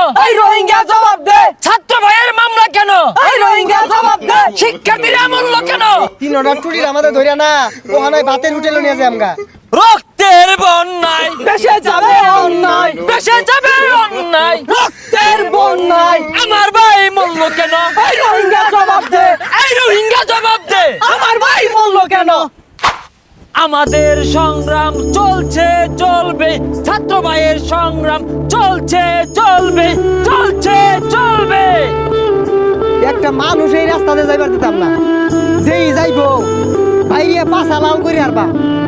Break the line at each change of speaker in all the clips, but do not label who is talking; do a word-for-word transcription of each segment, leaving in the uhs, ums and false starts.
এই রোহিঙ্গা জবাব দে।
ছাত্র ভাইয়ের মামলা কেন?
এই রোহিঙ্গা জবাব দে।
শিক্ষার্থীরা মূল্য কেন?
তিন অর্ডার টুরির আমাদের ধরিয়া না ওখানে ভাতের হোটেলে নিয়ে যায় আমগা।
রক্তের বন্যায়
দেশে যাবে অন্যায়,
দেশে যাবে অন্যায়,
রক্তের বন্যায়
আমার ভাই মূল্য কেন?
এই রোহিঙ্গা জবাব দে।
এই রোহিঙ্গা জবাব দে।
আমার ভাই বলল কেন?
আমাদের সংগ্রাম চলছে চলবে, ছাত্র ভাইয়ের সংগ্রাম চলছে চলবে, চলছে চলবে।
একটা মানুষ এই রাস্তাতে যাইবার দিতাম না, যেই যাইবো বাইরে পাছা লাল করে আরবা।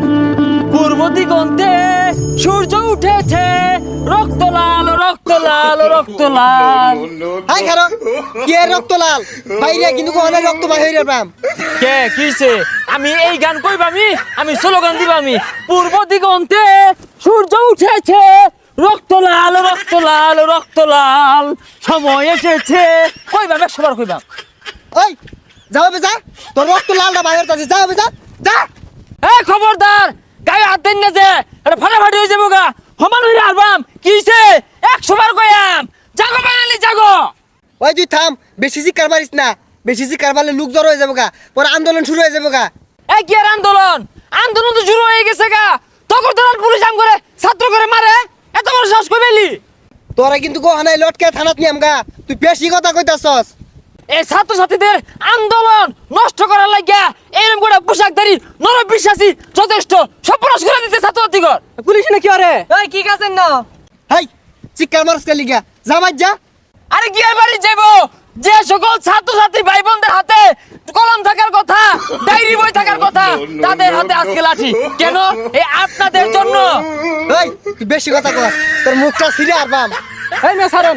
পূর্ব দিগন্তে সূর্য উঠেছে, রক্ত লাল রক্ত লাল রক্ত লাল।
হাই খারো কি এর রক্ত লাল বাইরে কিন্তু কোহানে রক্ত বাহির হইরা পাম।
কে কিছে? আমি এই গান কইবামি, আমি স্লোগান দিবামি। পূর্ব দিগন্তে সূর্য উঠেছে, রক্ত লাল রক্ত লাল রক্ত লাল, সময় এসেছে। কইবাম একশোবার কইবাম।
ওই যাও বে যা, তোর রক্ত লালটা বাহির হইতাছে, যাও বে যা যা।
এই খবরদার, গায়ে হাত দেন না যে, এটা ফাটাফাটি হয়ে যাবো গা। সমান হইরা আলবাম কিছে? একশোবার কইয়াম। জাগো বাঙালি জাগো।
ওই তুই থাম, বেশি চিৎকার মারিস না, বেশি চিৎকার মারলে লোক জড়ো হয়ে যাবো গা, পরে আন্দোলন শুরু হয়ে যাবো গা।
এই কি আর আন্দোলন? আন্দোলন তো শুরু হয়ে গেছে গা। তখন তো পুলিশ আম করে ছাত্র করে মারে, এত বড় সাহস কই পেলি?
তোরা কিন্তু কোহানে লটকে থানাত নিয়াম গা, তুই বেশি কথা কইতাছস।
এই ছাত্র ছাত্রীদের আন্দোলন নষ্ট করার লাগিয়া এরকম করে পোশাকধারী নরম বিশ্বাসী যথেষ্ট সর্বনাশ করে দিতে ছাত্র ছাত্রীগণ।
পুলিশ না কি আরে? এই কি কাছেন না?
হাই চিৎকার মারস কে লিগা, যা মার যা।
আরে কি আর বাড়ি যাবো? যে সকল ছাত্র ছাত্রী ভাই বোনদের হাতে কলম থাকার কথা, ডায়েরি বই থাকার কথা, তাদের হাতে আজকে লাঠি কেন? এই আপনাদের জন্য।
ওই তুই বেশি কথা কস, তোর মুখটা ছিঁড়ে আরবাম।
এই মে সারন।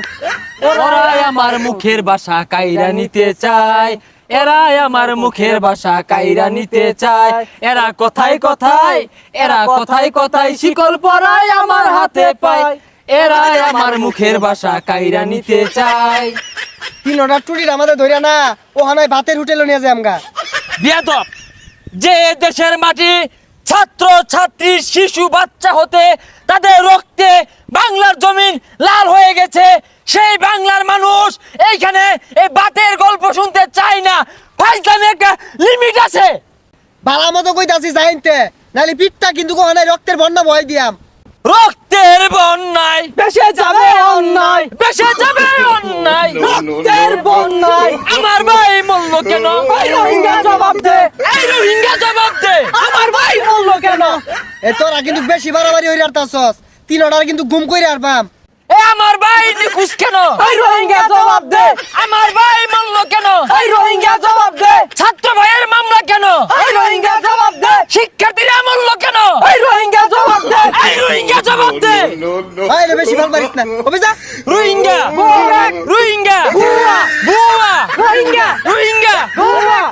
ওরাই আমার মুখের ভাষা কাইরা নিতে চায়, এরাই আমার মুখের ভাষা কাইরা নিতে চায়। এরা কথায় কথায়, এরা কথায় কথায় শিকল পরায় আমার হাতে পায়। এরাই আমার মুখের ভাষা কাইরা নিতে চায়।
তিন অর্ডার টুরির আমাদের ধরিয়া না ওখানে ভাতের হোটেলে নিয়ে যায় আমগা।
বিয়াদব, যে দেশের মাটি ছাত্র ছাত্রী শিশু বাচ্চা হতে তাদের রক্তে বাংলার জমিন লাল হয়ে গেছে, সেই বাংলার মানুষ এইখানে এই বাতের গল্প শুনতে চায় না। ফাইজলামে একটা লিমিট আছে।
বালা মতো কইতাছি যাইনতে, নালি পিঠটা কিন্তু কোহানে রক্তের বন্যা বয় দিয়াম।
রক্তের বন্যায়
দেশে যাবে অন্যায়,
দেশে যাবে অন্যায়,
রক্তের বন্যায়
আমার ভাই মূল্য কেন?
এই রোহিঙ্গা জবাব দে।
এই রোহিঙ্গা জবাব দে।
আমার ভাই বলল কেন?
এ তোরা কিন্তু বেশি বাড়াবাড়ি হইরা আরতাছস, তিন অর্ডার কিন্তু গুম কইরা আরবাম।
এ আমার ভাই নিখুঁজ কেন?
এই রোহিঙ্গা জবাব দে।
আমার ভাই মূল্য কেন?
এই রোহিঙ্গা জবাব দে।
ছাত্র ভাইয়ের মামলা কেন?
এই রোহিঙ্গা জবাব দে।
শিক্ষার্থীরা মূল্য কেন?
এই রোহিঙ্গা জবাব দে।
এই রোহিঙ্গা জবাব দে।
ভাই রে বেশি ভাল পারিস না, ওবে যা।
রোহিঙ্গা,
বুয়া,
রোহিঙ্গা,
বুয়া,
বুয়া,
রোহিঙ্গা,
রোহিঙ্গা,
বুয়া।